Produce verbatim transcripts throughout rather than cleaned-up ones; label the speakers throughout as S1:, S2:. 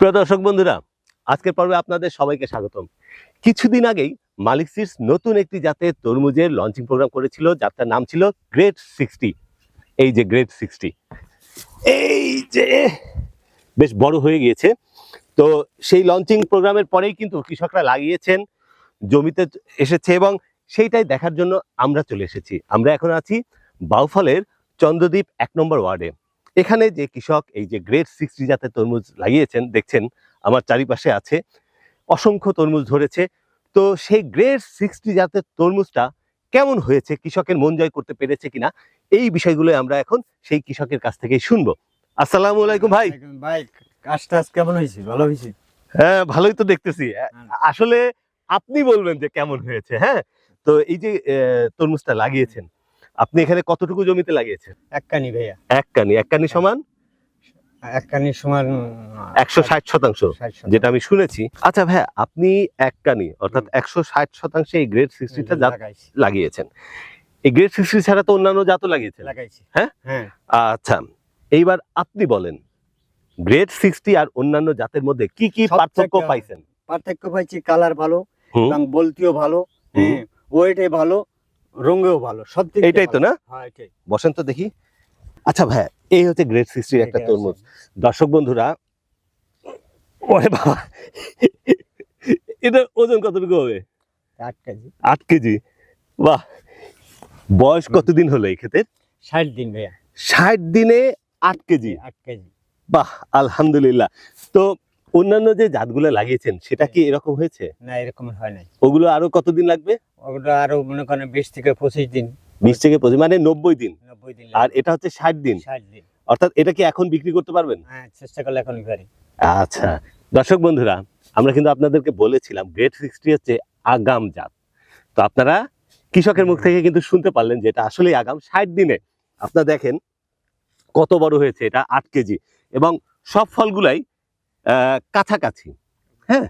S1: প্রিয় দর্শক বন্ধুরা, আজকের পর্বে আপনাদের সবাইকে স্বাগতম। কিছুদিন আগেই মালিক সিডস নতুন একটি জাতের তরমুজের লঞ্চিং প্রোগ্রাম করেছিল, যার নাম ছিল গ্রেট সিক্সটি। এই যে গ্রেট সিক্সটি, এই যে বেশ বড় হয়ে গিয়েছে। তো সেই লঞ্চিং প্রোগ্রামের পরেই কিন্তু কৃষকরা লাগিয়েছেন, জমিতে এসেছে এবং সেইটাই দেখার জন্য আমরা চলে এসেছি। আমরা এখন আছি বাউফলের চন্দ্রদ্বীপ এক নম্বর ওয়ার্ডে। এখানে যে কৃষক এই যে গ্রেট সিক্সটি জাতের তরমুজ লাগিয়েছেন, দেখছেন আমার চারিপাশে আছে, অসংখ্য তরমুজ ধরেছে। তো সেই গ্রেট সিক্সটি জাতের তরমুজটা কেমন হয়েছে, কৃষকের মন জয় করতে পেরেছে কিনা, এই বিষয়গুলো আমরা এখন সেই কৃষকের কাছ থেকেই শুনবো। আসসালামু আলাইকুম ভাই।
S2: ভাই কাজটা কেমন হয়েছে? ভালো হয়েছে?
S1: হ্যাঁ, ভালোই তো দেখতেছি। আসলে আপনি বলবেন যে কেমন হয়েছে। হ্যাঁ, তো এই যে তরমুজটা লাগিয়েছেন, আপনি এখানে কতটুকু জমিতে লাগিয়েছেন?
S2: এক কানি ভাইয়া।
S1: এক কানি। এক কানি সমান
S2: এক কানি সমান
S1: একশো ষাট শতাংশ, যেটা আমি শুনেছি। আচ্ছা ভাইয়া, আপনি এক কানি অর্থাৎ একশো ষাট শতাংশে এই গ্রেড সিক্সটিটা জাত লাগিয়েছেন। এই গ্রেড সিক্সটি ছাড়া তো অন্যান্য জাতও লাগিয়েছেন।
S2: লাগাইছি।
S1: হ্যাঁ
S2: হ্যাঁ।
S1: আচ্ছা, এইবার আপনি বলেন গ্রেড সিক্সটি আর অন্যান্য জাতের মধ্যে কি কি পার্থক্য পাইছেন?
S2: পার্থক্য পাইছি, কালার ভালো এবং বলতিও ভালো, ওয়েটে ভালো, রঙেও ভালো, সব দিক।
S1: এটাই তো না?
S2: হ্যাঁ, এটাই।
S1: বসেন তো দেখি। আচ্ছা ভাই, এই হচ্ছে গ্রেড সিক্সটির একটা তরমুজ। দর্শক বন্ধুরা, ওরে বাবা, এটা ওজন কতটুকু হবে?
S2: আট কেজি।
S1: আট কেজি। বাহ, বয়স কতদিন হলো এই ক্ষেতের?
S2: ষাট দিন ভাইয়া।
S1: ষাট দিনে আট কেজি।
S2: আট কেজি।
S1: বাহ, আলহামদুলিল্লাহ। তো অন্যান্য যে জাতগুলো লাগিয়েছেন সেটা কি এরকম হয়েছে?
S2: না, এরকম হয় নাই।
S1: ওগুলো আরো কতদিন লাগবে?
S2: ওগুলো আরো মনে করেন বিশ থেকে পঁচিশ দিন।
S1: বিশ থেকে পঁচিশ মানে নব্বই দিন।
S2: নব্বই দিন।
S1: আর এটা হচ্ছে ষাট দিন।
S2: ষাট দিন।
S1: অর্থাৎ এটা কি এখন বিক্রি করতে পারবেন?
S2: হ্যাঁ, চেষ্টা করলে এখনই পারি।
S1: আচ্ছা দর্শক বন্ধুরা, আমরা কিন্তু আপনাদেরকে বলেছিলাম গ্রেড সিক্সটি হচ্ছে আগাম জাত। তো আপনারা কৃষকের মুখ থেকে কিন্তু শুনতে পারলেন যে এটা আসলেই আগাম। ষাট দিনে আপনারা দেখেন কত বড় হয়েছে, এটা আট কেজি এবং সব ফলগুলাই কাছাকাছি। হ্যাঁ,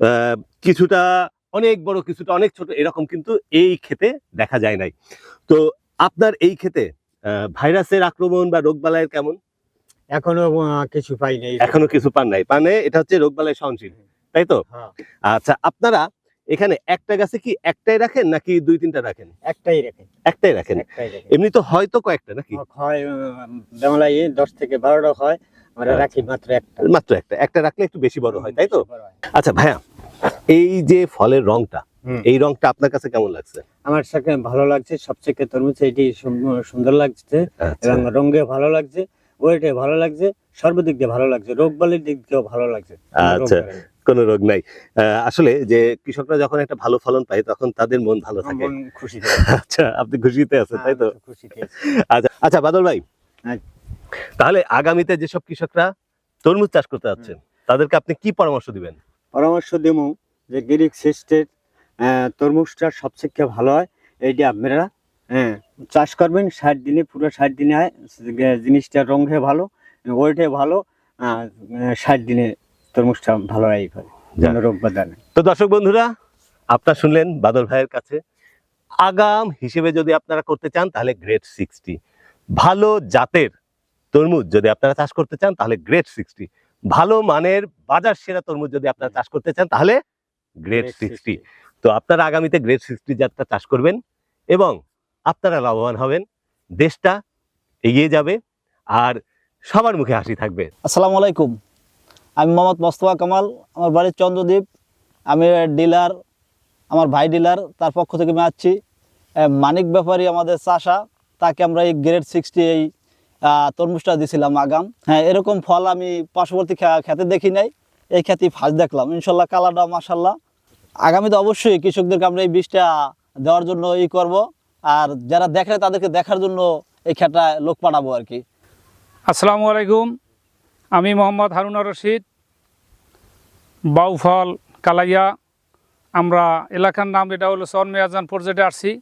S1: কিছুটা অনেক বড়, কিছুটা অনেক ছোট, এরকম কিন্তু এই ক্ষেতে দেখা যায় নাই। তো আপনার এই ক্ষেতে ভাইরাসের আক্রমণ বা রোগবালাইয়ের কেমন?
S2: এখনো কিছু পাই নাই।
S1: এখনো কিছু পান নাই, মানে এটা হচ্ছে রোগবালাই সহনশীল, তাই তো? আচ্ছা, আপনারা এখানে একটা গাছে কি একটাই রাখেন নাকি দুই তিনটা রাখেন?
S2: একটাই রাখেন।
S1: একটাই রাখেন। এমনি তো হয়তো কয়েকটা নাকি?
S2: হয় বাংলায় দশ থেকে বারোটা হয়, আমরা রাখি মাত্র একটা।
S1: মাত্র একটা। একটা রাখলে একটু বেশি বড় হয়, তাই তো? আচ্ছা ভাইয়া, এই যে ফলের রংটা, এই রংটা আপনার কাছে কেমন লাগছে?
S2: আমার সাথে ভালো লাগছে, সবচেয়ে তরমুজ এটি সুন্দর লাগছে এবং রঙে ভালো লাগছে, ওয়েটে ভালো লাগছে, সর্বদিক দিয়ে ভালো লাগছে, রোগ বালির দিক দিয়েও ভালো লাগছে।
S1: আচ্ছা, কোনো রোগ নাই। আসলে যে কৃষকরা যখন একটা ভালো ফলন পায় তখন তাদের মন ভালো থাকে,
S2: খুশি।
S1: আচ্ছা, আপনি খুশিতে আছেন, তাই তো? আচ্ছা আচ্ছা বাদল ভাই, তাহলে আগামীতে যেসব কৃষকরা তরমুজ চাষ করতে যাচ্ছেন তাদেরকে আপনি কি পরামর্শ দিবেন?
S2: পরামর্শ দেব যে গ্রেড সিক্সটির তরমুজটা সবচেয়ে ভালো হয়, এইটা আপনারা হ্যাঁ চাষ করবেন। ষাট দিনে, পুরো ষাট দিনে হয় জিনিসটা, রঙে ভালো, ওয়েটে ভালো, ষাট দিনে তরমুজটা ভালো হয়, রোগ বাধা নেই।
S1: তো দর্শক বন্ধুরা, আপনারা শুনলেন বাদল ভাইয়ের কাছে। আগাম হিসেবে যদি আপনারা করতে চান তাহলে গ্রেড সিক্সটি, ভালো জাতের তরমুজ যদি আপনারা চাষ করতে চান তাহলে গ্রেড সিক্সটি, ভালো মানের বাজার সেরা তরমুজ যদি আপনারা চাষ করতে চান তাহলে গ্রেড সিক্সটি। তো আপনারা আগামীতে গ্রেড সিক্সটি জাতটা চাষ করবেন এবং আপনারা লাভবান হবেন, দেশটা এগিয়ে যাবে আর সবার মুখে হাসি থাকবে।
S3: আসসালামু আলাইকুম, আমি মোহাম্মদ মোস্তফা কামাল, আমার বাড়ির চন্দ্রদ্বীপ। আমি ডিলার, আমার ভাই ডিলার, তার পক্ষ থেকে আমি আসছি। মানিক ব্যাপারী আমাদের চাষা, তাকে আমরা এই গ্রেড সিক্সটি এই তরমুজটা দিয়েছিলাম আগাম। হ্যাঁ, এরকম ফল আমি পার্শ্ববর্তী খেতে দেখি নাই, এই খেতে ফার্স্ট দেখলাম। ইনশাল্লাহ কালারটা মাশাল্লাহ। আগামীতে অবশ্যই কৃষকদেরকে আমরা এই বীজটা দেওয়ার জন্য ই করব, আর যারা দেখে তাদেরকে দেখার জন্য এই খেতটা লোক পাঠাবো আর কি।
S4: আসসালামু আলাইকুম, আমি মোহাম্মদ হারুন রশিদ, বাউফল কালাইয়া। আমরা এলাকার নাম এটা হলো সন মেয়াজান পর্যায়ে আসছি।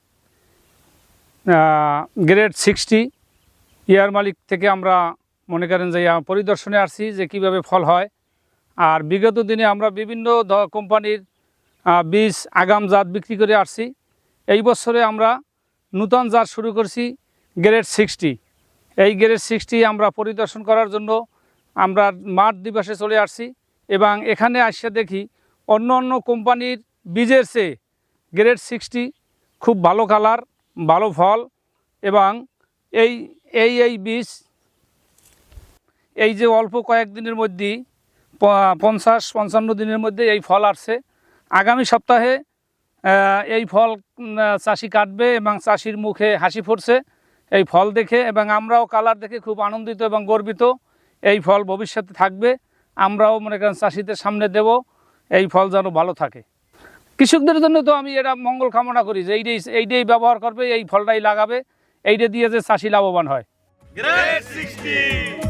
S4: গ্রেড সিক্সটি ইয়ার মালিক থেকে আমরা মনে করেন যে পরিদর্শনে আসছি যে কীভাবে ফল হয়। আর বিগত দিনে আমরা বিভিন্ন কোম্পানির বীজ আগাম জাত বিক্রি করে আসছি। এই বছরে আমরা নূতন জাত শুরু করছি গ্রেড সিক্সটি। এই গ্রেড সিক্সটি আমরা পরিদর্শন করার জন্য আমরা মাঠ দিবসে চলে আসছি। এবং এখানে আসে দেখি অন্য অন্য কোম্পানির বীজের চেয়ে গ্রেড সিক্সটি খুব ভালো কালার, ভালো ফল এবং এই এই এই বীজ এই যে অল্প কয়েকদিনের মধ্যেই প- পঞ্চাশ পঞ্চান্ন দিনের মধ্যে এই ফল আসছে। আগামী সপ্তাহে আহ, এই ফল উম, আহ, চাষি কাটবে এবং চাষির মুখে হাসি ফুটছে এই ফল দেখে, এবং আমরাও কালার দেখে খুব আনন্দিত এবং গর্বিত। এই ফল ভবিষ্যতে থাকবে, আমরাও মনে করেন চাষিদের সামনে দেব, এই ফল যেন ভালো থাকে। কৃষকদের জন্য তো আমি এটা মঙ্গল কামনা করি যে এইটাই এইটাই ব্যবহার করবে, এই ফলটাই লাগাবে, এইটা দিয়ে যে চাষি লাভবান হয়।
S1: Grade sixty